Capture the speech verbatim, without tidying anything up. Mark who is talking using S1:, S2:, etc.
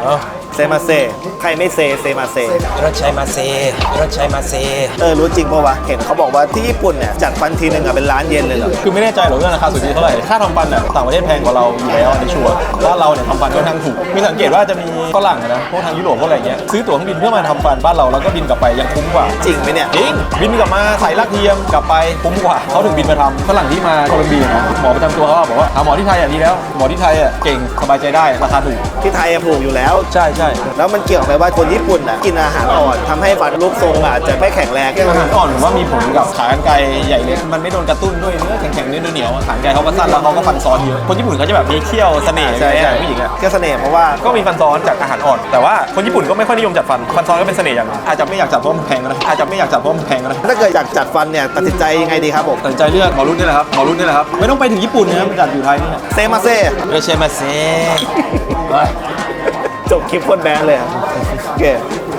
S1: เซมาเซใครไม่เซเซมาเซ
S2: รถชัยมาเซรถชัยมาเซ
S1: เออรู้จริงปะวะเห็นเขาบอกว่าที่ญี่ปุ่นเนี่ยจัดฟันทีนึงอะเป็นล้านเยนเลยเหรอ
S3: คือไม่แน่ใจหรอกเรื่องราคาสุทธิเท่าไหร่ค่าทำฟันอ่ะต่างประเทศแพงกว่าเราอยู่แล้วในชัวร์ว่าเราเนี่ยทำฟันค่อนข้างถูกมีสังเกตว่าจะมีฝรั่งนะพวกทางยุโรปพวกอะไรเงี้ยซื้อตั๋วเครื่องบินเพื่อมาทำฟันบ้านเราแล้วก็บินกลับไปยังคุ้มกว่า
S1: จริงไหมเนี่ย
S3: จริงบินกลับมาใส่ลากเทียมกลับไปคุ้มกว่าเขาถึงบินมาทำฝรั่งที่มาโคลอมเบียนะหมอประจำตัวเขาบอกว่าหาหมอที่ไทยอ่ะดีแล้วหมอที่ไทยอ่ะเก่งสบายใจได้ราคาถูก
S1: ที่ไทยอะถูกอยู่แล้ว
S3: ใช่ใช่
S1: แล้วมันเกี่ยวกับว่าคนญี่ปุ่นอ่ะกินอาหารอ่อนทำให้ฟันรูปทรงอาจจะไม่แข็งแรง
S3: อาหารอ่อนผมว่ามีผลกับขากรรไกรใหญ่เล็กมันไม่โดนกระตุ้นด้วยเนื้อแข็งๆเนื้อเหนียวขากรรไกรเขาก็สั้นแล้วเขาก็ฟันซ้อนเยอะคนญี่ปุ่นเขาจะแบบมีเขี้ยวเสน่ห์
S1: ใช่ใช่
S3: ผู้หญิงอ่ะ
S1: แค่เสน่ห์เพราะว่า
S3: ก็มีฟันซ้อนจากอาหารอ่อนแต่ว่าคนญี่ปุ่นก็ไม่ค่อยนิยมจัดฟันฟันซ้อนก็เป็นเสน่ห์อย่างนึงอาจจะไม่อยากจัดเพราะมันแพงนะอาจจะไม่อยากจัดเพราะมันแพงนะ
S1: ถ้าเกิดอยากจัดฟันเนี่ยตัดสินใจยังไงดีครับผม
S3: ตัดสินใจเลือกหมอรุ่นนี่แหละครับหมอรุ่นนี่แหละครับไม่ต้องไปถึงญี่ปุ่นนะครับมันจัดอยู่ไทยนี่แหละ
S1: เซมาเซ
S2: รถชัยมาเซ
S1: จบคลิปโคนแบนเลยอะโอเค